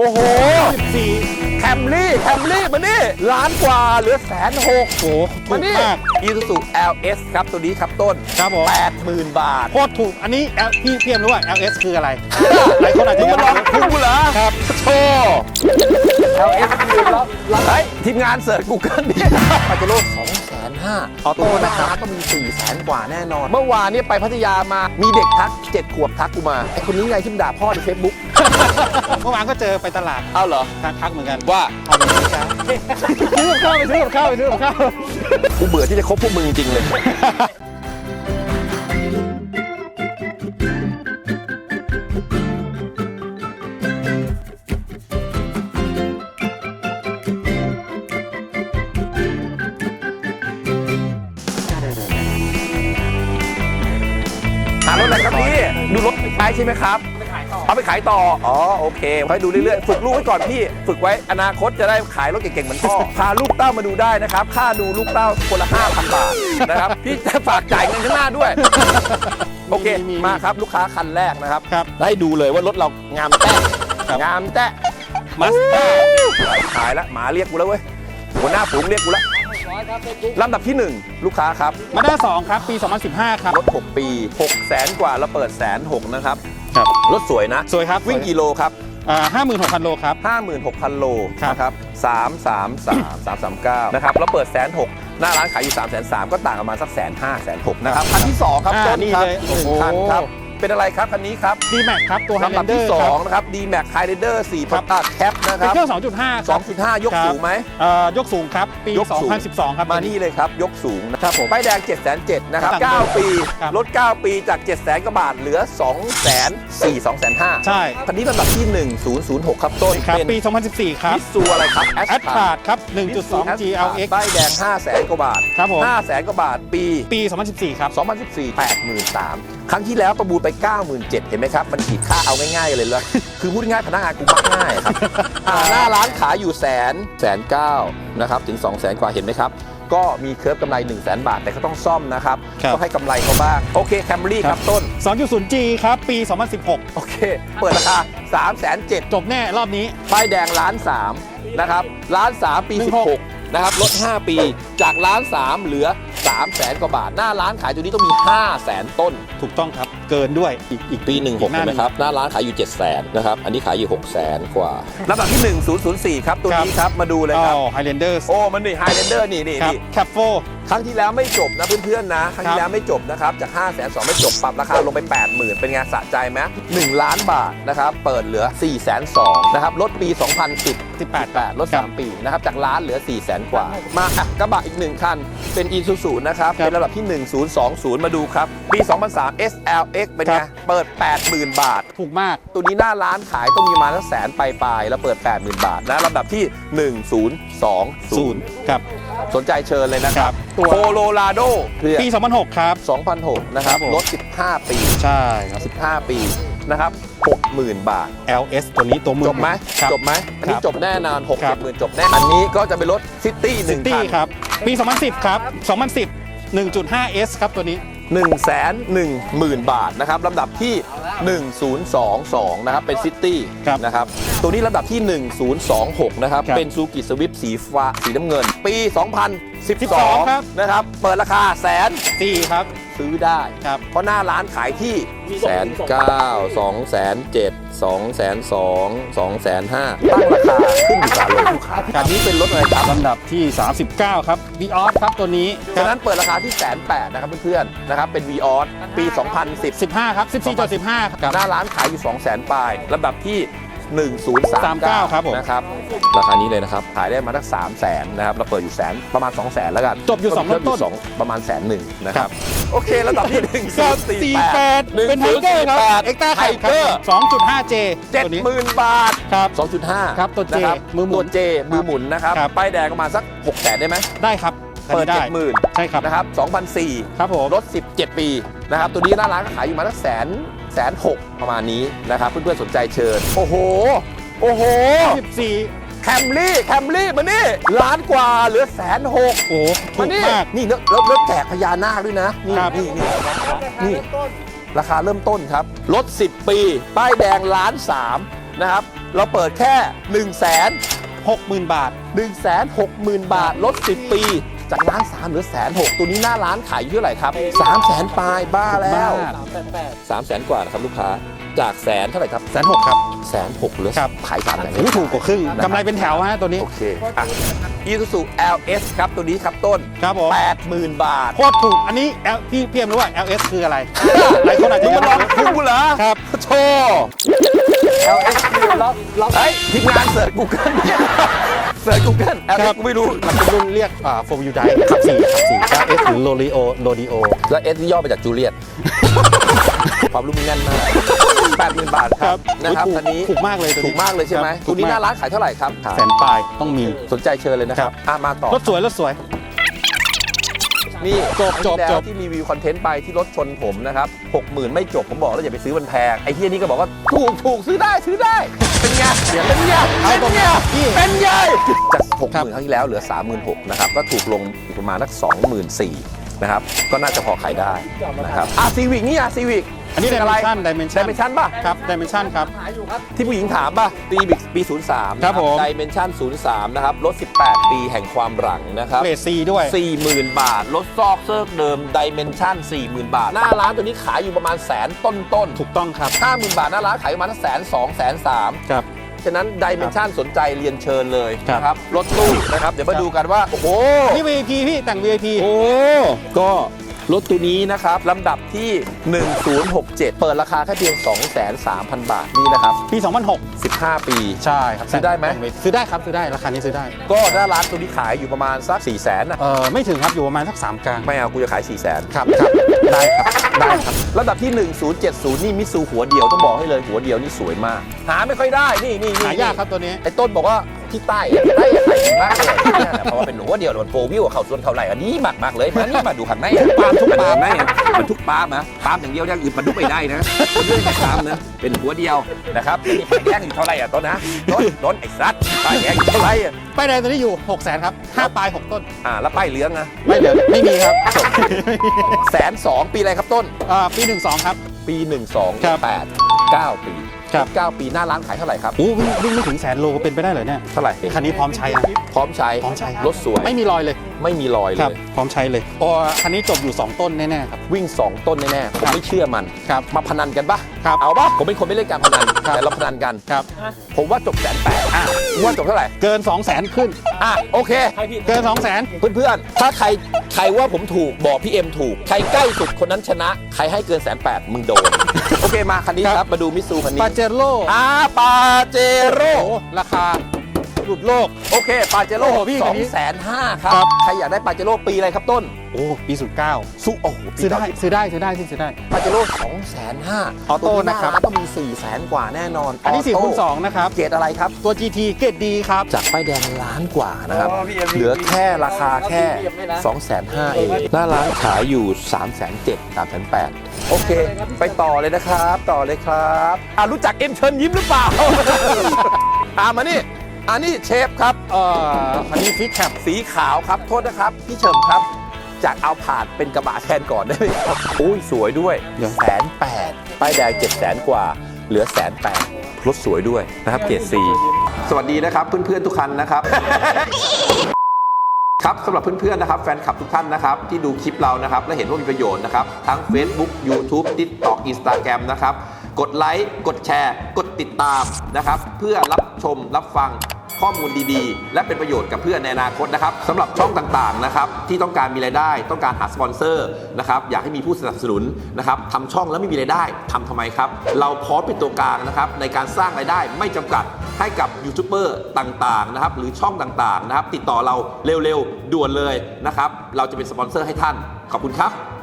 อ้โห 14 แคมรี่มานี่ล้านกว่าเหลือ160,000 โอ้โหถูมาก นี่มาก Isuzu LS ครับตัวนี้ครับต้นครับผม 80,000 บาทโคตรถูกอันนี้พี่เพียมรู้ว่า LS คืออะไรหลายคนอาจจะมึงยังมาลไม่องรู้กูเหรอครับโชว์ LS คือแล้วเฮ้ยทีมงานเสิร์ช Google ดิปาเจโร่250,000 ออโต้ตัวนะนะคครัรับ บต้องมี 400,000 กว่าแน่นอน เมื่อวานนี้ไปพัทยามามีเด็กทัก7 ขวบทักกูมาไอคนนี้ไงที่มันด่าพ่อใน Facebook เมื่อวานก็เจอไปตลาดเอาเหรอทักเหมือนกันว่าเอาไปซื้อข้าวไปซื้อกับข้าวไปซื้อกับข้าวกูเบื่อที่จะคบพวกมึงจริงเลย หารถอะไรครับพี่ดูรถใช้ใช่ไหมครับเอาไปขายต่ออ๋อโอเคค่อยดูเรื่อยๆฝึกลูกไว้ก่อนพี่ฝึกไว้อนาคตจะได้ขายรถเก่งๆเหมือนพ่อพาลูกเต้ามาดูได้นะครับค่าดูลูกเต้าคนละ 5,000 บาทนะครับพี่จะฝากจ่ายเงินข้างหน้าด้วยโอเคมาครับลูกค้าคันแรกนะครับครับให้ดูเลยว่ารถเรางามแต้งามแต้มาสด้าขายแล้วหมาเรียกกูแล้วเว้ยหัวหน้าฝูงเรียกกูแล้วลำดับที่ 1 ลูกค้าครับมาด้า2ครับปี 2015 ครับรถ 6 ปี 600,000 กว่าเราเปิด160,000นะครับครับรถสวยนะสวยครับวิ่งกี่โลครับ 56,000 โลครับ 56,000 โลครับนะครับ333,339นะครับแล้วเปิด160,000หน้าร้านขายอยู่330,000ก็ต่างกันมาสัก150,000 160,000นะครับคันที่ 2 ครับต้นนี่ครับเลยหนึ่งโอ้โหคันครับเป็นอะไรครับคันนี้ครับ D-Max ครับตัวลำดับที่ Highlander ครับ 2นะครับ D-Max Highlander 4 ครับตัดแคปนะคเป็นรับเครื่อง 2.5 ครับ 2.5 ยกครับสูงไหมยกสูงครับ ปียกสูง 2012 ครับมานี่เลยครับ ยกสูงนะครับผมป้ายแดง 707,000 นะครับครับ 9 ปีครับลด 9 ปีจาก 700,000 กว่าบาทเหลือ 204,000 205,000 ใช่คันนี้ลำดับที่ 1006 ครับต้นครับเป็นปี 2014 ครับมิตซูอะไรครับแอดพาดครับ 1.2 GLX ป้ายแดง 500,000 กว่าบาทครับผม 500,000 กว่าบาทปีปี 2014 ครับ 2014 83,000 ครั้งที่แล้วประมูลไป 97,000 เห็นไหมครับ มันขีดค่าเอาง่ายๆเลยเลย คือพูดง่ายๆพนักงานกูมักง่ายครับหน้าร้านขายอยู่109,000นะครับถึง 200,000 กว่าเห็นไหมครับ ก็มีเคิร์ฟกำไร 100,000 บาท แต่ก็ต้องซ่อมนะครับครับต้องให้กำไรเขาบ้าง โอเคแคมรี่ครับต้น 2.0G ครับ ปี 2016 โอเค เปิดราคา 307,000 จบแน่รอบนี้ป้ายแดง1,300,000นะครับ1,300,000 ปี 16 นะครับลด 5 ปีจาก1,300,000 เหลือ 300,000 กว่าบาท หน้าร้านขายตัวนี้ต้องมี 500,000 ต้นถูกต้องครับ เกินด้วยอีกปี 16 หเห็นไหมครับ หน้าร้านขายอยู่ 700,000 นะครับ อันนี้ขายอยู่ 600,000 กว่าลำดับที่ 1004 ครับ ตัวนี้ครับ มาดูเลยครับ Highlander โอ้ มันนี่ Highlander นี่ครับ Cap ครั้งที่แล้วไม่จบนะเพื่อนๆนะ ครั้งที่แล้วไม่จบนะครับ จาก 502,000 ไม่จบ ปรับราคาลงไป 80,000 เป็นไงสะใจไหม1 ล้านบาทนะครับ เปิดเหลือ 402,000 นะครับ ลดปี 2010 18ลด 3 ปีนะครับ จากล้านเหลือ 400,000 กว่า มาอ่ะกระบะอีก 1 คัน เป็น Isuzu นะครับครับเป็นระดับที่ 1020 มาดูครับ ปี 2003 SLX เป็นไงครับเปิด 80,000 บาทถูกมากตัวนี้หน้าร้านขายต้องมีประมาณสัก100,000 ปลายๆ แล้วเปิด 80,000 บาทนะลำดับที่ 1020 ครับสนใจเชิญเลยนะครับตัวโคโลราโดปี 2006 ครับ 2006 นะครับครับผมลด 15 ปีใช่ครับ 15 ปีนะครับ 60,000 บาท LS ตัวนี้ตัวมือจบไหมครับจบไหมอันนี้ครับจบแน่นอนครับ 60,000 จบแน่ อันนี้ก็จะเป็นรถซิตี้หนึ่งตี้คันครับ ปี 2010 ครับ 2010 1.5S ครับตัวนี้ 110,000 บาทนะครับลำดับที่ 1022 นะครับ เป็นซิตี้ครับนะครับ ตัวนี้ลำดับที่ 1026 นะครับครับเป็นซูกิสวิฟสีฟ้าสีน้ำเงิน ปี 2012 ครับนะครับ เปิดราคา100,000 ครับซื้อได้ครับเพราะหน้าร้านขายที่109,000 207,000 202,000 205,000ตั้งราคาขึ้นอยู่กับอารมณ์ลูกค้าอันนี้เป็นรถอะไรครับลำดับที่ 39 ครับ Vios ครับตัวนี้ฉะนั้นเปิดราคาที่108,000นะครับเพื่อนๆนะครับเป็น Vios ปี 2010 15 ครับ 14.15 ครับหน้าร้านขายอยู่ 200,000 ปลายลำดับที่ 1039 ครับผมนะครับราคานี้เลยนะครับขายได้มาตั้ง300,000นะครับเราเปิดอยู่ประมาณ 200,000 แล้วกันจบอยู่2 เริ่มต้นสองประมาณ101,000นะครับโอเคลำดับที่ 48เป็นไทเกอร์ครับ เอ็กต้าไทไทเกเกออร์ร์ 2.5J ตัวนี้ 70,000 บาทครับ 2.5 ครับตัว J นะครับมือหมุนตัว J มือหมุนนะครับครับป้ายแดงประมาณสัก 600,000 ได้ไหมได้ครับเปิดได้ 70,000 ใช่ครับนะครับ2,400 ครับผมรถ 17 ปีนะครับตัวนี้หน้าร้านก็ขายอยู่มาตั้ง106,000ประมาณนี้นะครับเพื่อนๆสนใจเชิญโอ้โห 14 แคมรี่มานี่ล้านกว่าเหลือ106,000 โอ้โหถูมาก นี่มากนี่แล้วแจกพญานาคด้วยนะนี่ครับนี่ราคาเริ่มต้นครับรถ 10 ปี ป้ายแดง1,300,000นะครับเราเปิดแค่ 60,000 บาท 160,000 บาทลด10 ปี จากล้าน3เหลือ160,000ตัวนี้หน้าร้านขายอยู่เท่าไหร่ครับ 300,000 ปลายบ้าแล้วบ้า 300,000 กว่านะครับลูกค้าจากแสนเท่าไหร่ครับ 160,000 ครับ 160,000เหลือครับขาย300,000 โอ้ถูกกว่าครึ่งกำไรเป็นแถวฮะตัวนี้โอเคอ่ะ Isuzu LS ครับตัวนี้ครับต้นครับผม 80,000 บาทโคตรถูกอันนี้พี่เอ็มรู้ว่า LS คืออะไร หลายคนอาจจะมึงยังมาลองกูเหรอครับโชว์ LS คือล็อกเฮ้ยทีมงานเสิร์ช Google เสิร์ช Google LS กูไม่รู้มันเป็นรุ่นเรียก4 Wheel Drive ขับ4 LS หรือ Rodeo แล้ว S นี่ย่อมาจากจูเลียต ความรู้มึงแน่นมาก 80,000 บาทครับนะครับถูกอันนี้ถูกมากเลยตัวนี้ถูกมากเลยใช่ไหมครับตัวนี้ถูกมากหน้าร้านขายเท่าไหร่ครับแสนปลายต้องมีสนใจเชิญเลยนะครับมาต่อรถสวยรถสวยนี่จบครั้งที่แล้วจบที่มีวิวคอนเทนต์ไปที่รถชนผมนะครับ 60,000 ไม่จบผมบอกแล้วอย่าไปซื้อมันแพงไอ้ที่นี่ก็บอกว่าถูกซื้อได้เป็นไงเป็นไงเอาตรงนี้พี่เป็นไงจากครับ 60,000 ครั้งที่แล้วเหลือ 36,000 นะครับก็ถูกลงอีกประมาณสัก 24,000 นะครับก็น่าจะพอขายได้นะครับซีวิกนี่ซีวิกอันนี้ Dimension ไดเมนชั่นป่ะครับ Dimension ครับที่ผู้หญิงถามป่ะปี 03 ครับผมไดเมนชั่น 03 นะครับลด 18 ปีแห่งความหลังนะครับเกรด C ด้วย 40,000 บาทลดซอกเซิร์กเดิมไดเมนชั่น 40,000 บาท หน้าร้านตัวนี้ขายอยู่ประมาณแสนต้นถูกต้องครับ 50,000 บาทหน้าร้านขายประมาณ120,000 130,000 ครับฉะนั้นดิเมนชันสนใจเรียนเชิญเลยครับนะครับรถตู้นะครับเดี๋ยวมาดูกันว่า โอ้โหนี่ VIP พี่แต่ง VIP โอ้ก็รถตัวนี้นะครับลำดับที่ 1067 เปิดราคาแค่เพียง 230,000 บาทนี่นะครับปี 2006 15 ปีใช่ครับซื้อได้ไหมซื้อได้ครับซื้อได้ราคานี้ซื้อได้ก็หน้าร้านตัวนี้ขายอยู่ประมาณสัก 400,000นะไม่ถึงครับอยู่ประมาณสัก3กลางไม่เอากูจะขาย 400,000 ครับได้ครับได้ครับลำดับที่ 1070 นี่มิซูหัวเดียวต้องบอกให้เลยหัวเดียวนี่สวยมาก หาไม่ค่อยได้นี่หายากครับตัวนี้ไอ้ต้นบอกว่าที่ใต้ขายดีมากเลยเนี่ยเพราะว่าเป็นหัวเดียวมันโฟวิวเขาส่วนเขาไหลอันนี้มากเลยมานี่มาดูข้างในปาล์มทุกปาล์มนะมันทุกปาล์มนะปาล์มอย่างเดียวอย่างอื่นมันทุกไม่ได้นะเรื่องปาล์มนะเป็นหัวเดียวนะครับนี่ป้ายแดงอยู่เท่าไหร่อ่ะต้นนะต้นไอ้ซัดป้ายแดงอยู่เท่าไหร่อ่ะป้ายแดงตัวนี้อยู่ 600,000 ครับ5ปลาย 6 ต้นแล้วป้ายเหลืองนะไม่เหลือไม่มีครับ 120,000 ปีอะไรครับต้นปี 12 ครับปี 12 ครับ 8 9 ปีครับ 9 ปีหน้าร้านขายเท่าไหร่ครับโอ้วิ่งไม่ถึง100,000 โลเป็นไปได้เหรอเนี่ยเท่าไหร่คันนี้พร้อมใช้นะพร้อมใช้พร้อมใช้ครับรถสวยไม่มีรอยเลยไม่มีรอยเลครับยพร้อมใช้เลยคันนี้จบอยู่ 2 ต้นแน่ๆครับวิ่ง 2 ต้นแน่ๆผมไม่เชื่อมันครับมาพนันกันปะครับเอาปะผมเป็นคนไม่เล่นการพนันครับแต่เราพนันกันครับผมว่าจบ180,000ว่าจบเท่าไหร่เกิน 200,000 ขึ้นโอเคเกิน 200,000 เพื่อนๆถ้าใครว่าผมถูกบอกพี่เอ็มถูกใครใกล้สุดคนนั้นชนะใครให้เกิน180,000มึงโดน โอเคมาคันนี้ครับมาดูมิซูคันนี้ปาเจโร่ปาเจโร่ราคาหลุดโลกโอเคปาเจโร่โอ้โหพี่คันนี้ 250,000ครับครับใครอยากได้ปาเจโร่ปีอะไรครับต้นโอ้ปี 09 โอ้โหปีซื้อได้เก่าซื้อได้ซื้อได้ที่ซื้อได้ปาเจโร่250,000 ออโต้นะครับตัวหาาต้องมี400,000 กว่าแน่นอนอันนี้ออโต้ 4คูณ2นะครับเกรดอะไรครับตัว GT เกรดดีครับจากป้ายแดงล้านกว่านะครับอ๋อพี่เอ็มเหลือแค่ราคาแค่พี่เอ็มไม่นะ 250,000 เองหน้าร้านขายอยู่ 370,000 380,000 โอเค ไปต่อเลยนะครับ ต่อเลยครับรู้จักเอ็มเชิญยิ้มหรือเปล่า มานี่นี่เชฟครับคันนี้ฟิกแคปสีขาวครับ โทษนะครับ พี่เฉิมครับ จากเอาผาดเป็นกระบะแทนก่อนได้ไหมครับอุ้ยสวยด้วย180,000ป้ายแดง700,000 กว่า เหลือ180,000รถสวยด้วยนะครับเกรด C สวัสดีนะครับเพื่อนๆทุกคันนะครับ ครับสำหรับเพื่อนๆนะครับแฟนคลับทุกท่านนะครับที่ดูคลิปเรานะครับและเห็นว่ามีประโยชน์นะครับทั้ง Facebook YouTube TikTok Instagram นะครับกดไลค์กดแชร์ กดติดตามนะครับเพื่อรับชมรับฟังข้อมูลดีๆ และเป็นประโยชน์กับเพื่อนในอนาคตนะครับสำหรับช่องต่างๆนะครับที่ต้องการมีรายได้ต้องการหาสปอนเซอร์นะครับอยากให้มีผู้สนับสนุนนะครับทำช่องแล้วไม่มีรายได้ทำทำไมครับเราพร้อมเป็นตัวกลางนะครับในการสร้างรายได้ไม่จำกัดให้กับยูทูบเบอร์ต่างๆนะครับหรือช่องต่างๆนะครับติดต่อเราเร็วๆด่วนเลยนะครับเราจะเป็นสปอนเซอร์ให้ท่านขอบคุณครับ